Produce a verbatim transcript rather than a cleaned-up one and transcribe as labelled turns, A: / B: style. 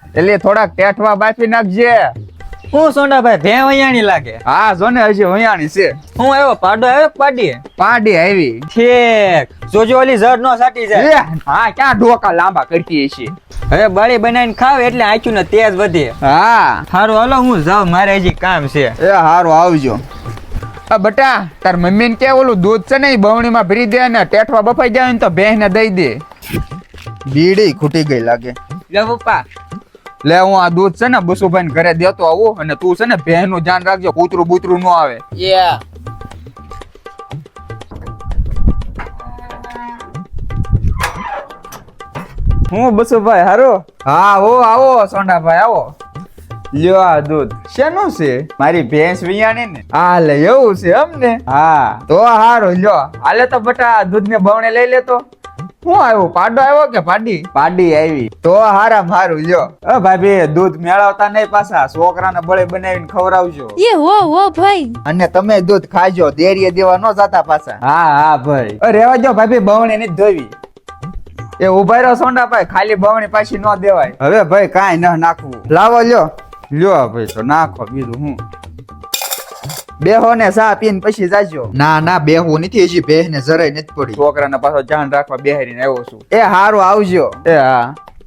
A: એટલે થોડાક ટેઠવા બાફી નાખજે.
B: હું સોંડાભાઈ ભે વૈયાણી લાગે.
A: હા જો ને હજી વયાણી છે.
B: હું આવ્યો પાડો આવ્યો કે પાડી
A: પાડી આવી.
B: ઠીક જોજો ઓલી ઝડ નો સાટી જાય.
A: એ, હા ક્યાં ઢોકા લાંબા કરતી છે.
B: હવે બળી બનાવીને ખાવ એટલે આંખ્યું ને તેજ વધે.
A: હા
B: સારું હાલો હું જાઉં મારે હજી કામ છે.
A: એ હારું આવજો. આ બટા તાર મમ્મી ને કે ઓલું દૂધ છે ને બવણી માં ભરી દે ને ટેઠવા બફાઈ જાય ને તો બેહ ને દઈ દે. બીડી ખૂટી ગઈ લાગે.
B: લે પપ્પા
A: લે હું આ દૂધ છે ને બસુભાઈ ને ઘરે દેતો આવું અને તું છે ને બેહ નું ધ્યાન રાખજો કૂતરું બૂતરું ન આવે.
B: યા
A: હું બસુભાઈ હારો. હા હો આવો સોંડાભાઈ આવો. લ્યો આ દૂધ શેનું છે? મારી ભેંસ વિયાણી ને. હા લે એવું છે એમ ને. હા તો હારો લ્યો હાલે તો બટા દૂધ ને બવણે લઈ લેતો. શું આવ્યું પાડો આવ્યો કે પાડી? પાડી આવી. તો હારા મારું લ્યો. અ ભાભી દૂધ મેળવતા નહીં પાછા છોકરાને બળે બનાવીને ખવડાવજો.
C: એ હો હો ભાઈ.
A: અને તમે દૂધ ખાજો દેરીએ દેવા ન જતા પાછા. હા હા ભાઈ. અ રેવા જો ભાભી બવણે નથી ધોવી. એ ઉભા રહ્યો સોંડાભાઈ ખાલી બવણી પાછી ન દેવાય. હવે ભાઈ કાંઈ ન નાખવું. લાવો લ્યો લ્યો ભાઈ તો નાખો બીજું હું. બેહો ને સા પીને પછી જાજો. ના ના બેહવું નથી હજી બેહ ને જરાય નથી પડી. છોકરાને પાછો ધ્યાન રાખવા બેહારીને આવ્યો છું. એ હારું આવજો. એ હા